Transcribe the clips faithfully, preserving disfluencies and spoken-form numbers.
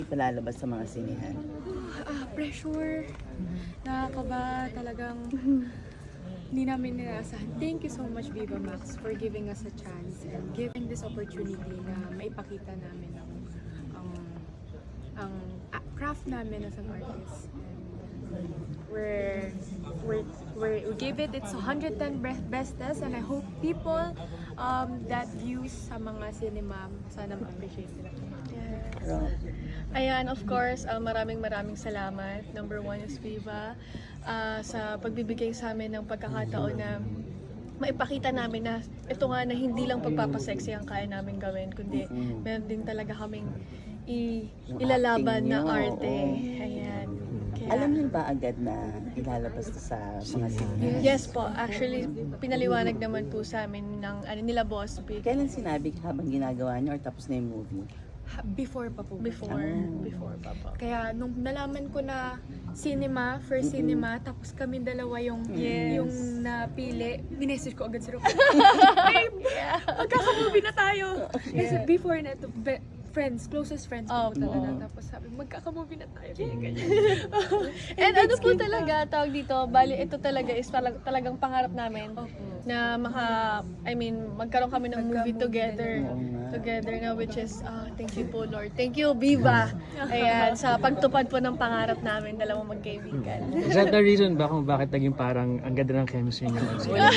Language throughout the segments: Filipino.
Palalabas sa mga sinihan. Ah, pressure. Nakakaba talagang hindi namin nirasahan. Thank you so much, Viva Max, for giving us a chance and giving this opportunity na maipakita namin ang ang, ang ah, craft namin as an artist. And we're, we're, we're, we give it its one hundred ten be- bestest, and I hope people um, that views sa mga cinema sana ma-appreciate nila. Pero, Ayan, of course, uh, maraming maraming salamat. Number one is Viva uh, sa pagbibigay sa amin ng pagkakataon na maipakita namin na ito nga na hindi lang pagpapasexy ang kaya namin gawin, kundi meron din talaga kaming i- Yung ilalaban acting na nyo, arte. oo. Ayan. Kaya, alam niyo ba agad na ilalabas to sa mga sinihan? yes po, actually, pinaliwanag naman po sa amin ng ano, nila Boss Vic. Kailan sinabi habang ginagawa niyo or tapos na yung movie? Ha- Before pa po. Before, Ah. before pa po. Kaya nung nalaman ko na cinema, first cinema, tapos kami dalawa yung Yes. yung napili, minessage ko agad si Roque. Babe, magkaka-movie na tayo. Kasi before na ito, be- friends, closest friends ko Oh, po talaga. oo. Tapos sabi, magkaka-movie na tayo. Ganyan, ganyan. And ano po talaga, tawag dito, bali ito talaga is talag, talagang pangarap namin Opo. na maka, I mean, magkaroon kami ng movie Magka-movie together. Oo nga. Together na, which is, ah, thank you po Lord. Thank you, Viva. Ayan, sa pagtupad po ng pangarap namin, dalawang magkaibigan. Is that the reason ba kung bakit naging parang ang ganda ng chemistry niyo?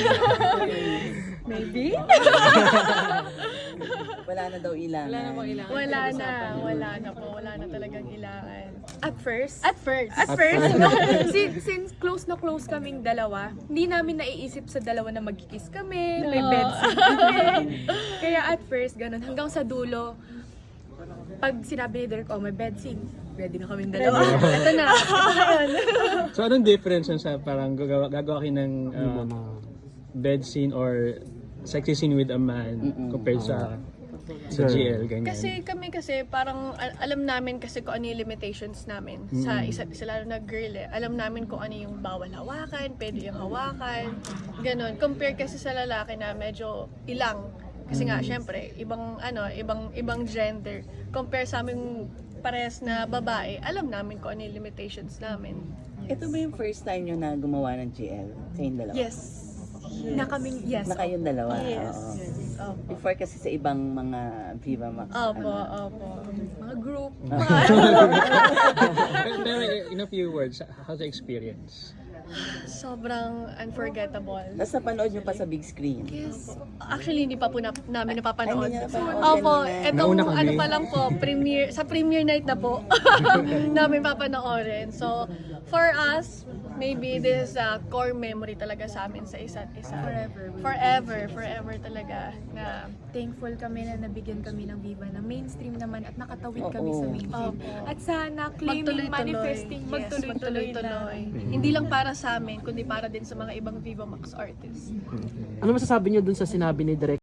Maybe? Wala na daw ilangan. Wala na bang ilangan? Wala na, wala na po, wala na talagang ilangan. At first, At first. At first, since, since close na close kaming dalawa, hindi namin naiisip sa dalawa na magkikiss kami, may No. bed scene kami. Kaya at first, ganun. Hanggang sa dulo, pag sinabi ni Derek, oh, may bed scene, ready na kaming dalawa. Ito na. So anong difference yun sa parang gagawa, gagawa kayo ng uh, bed scene or sexy scene with a man compared sa sa G L, ganyan? Kasi kami kasi parang al- alam namin kasi kung ano yung limitations namin sa isa't isa, lalo na girl eh. Alam namin kung ano yung bawal hawakan, pwede yung hawakan, ganun. Compare kasi sa lalaki na medyo ilang. Kasi nga, syempre, ibang ano, ibang ibang gender. Compare sa aming parehas na babae, alam namin kung ano yung limitations namin. Ito ba yung first time nyo na gumawa ng G L? Kayong dalawa? Yes. Na kaming, yes. Na kayong dalawa? Yes. Oo. Opo. Before kasi sa ibang mga Viva Max. Opo, ano. opo. Mga group. pero, pero in a few words, how's the experience? Sobrang unforgettable. Tapos napanood nyo pa sa big screen? Yes. Actually, hindi pa po na, namin napapanood. Ay, hindi niya napanood Opo, kanina. etong Nauna kami. ano pa lang po, premiere, sa premiere night na po namin papanoorin. So, for us, maybe this is a core memory talaga sa amin sa isa't isa. Forever. Forever, forever talaga. Na, Thankful kami na nabigyan kami ng Viva na mainstream naman at nakatawid Oo. kami sa mainstream. Opo. At sana claiming, manifesting, Yes, magtuloy-tuloy na. magtuloy-tuloy. Hindi lang para sa amin, kundi para din sa mga ibang Viva Max artists. Ano masasabi niyo dun sa sinabi ni Direk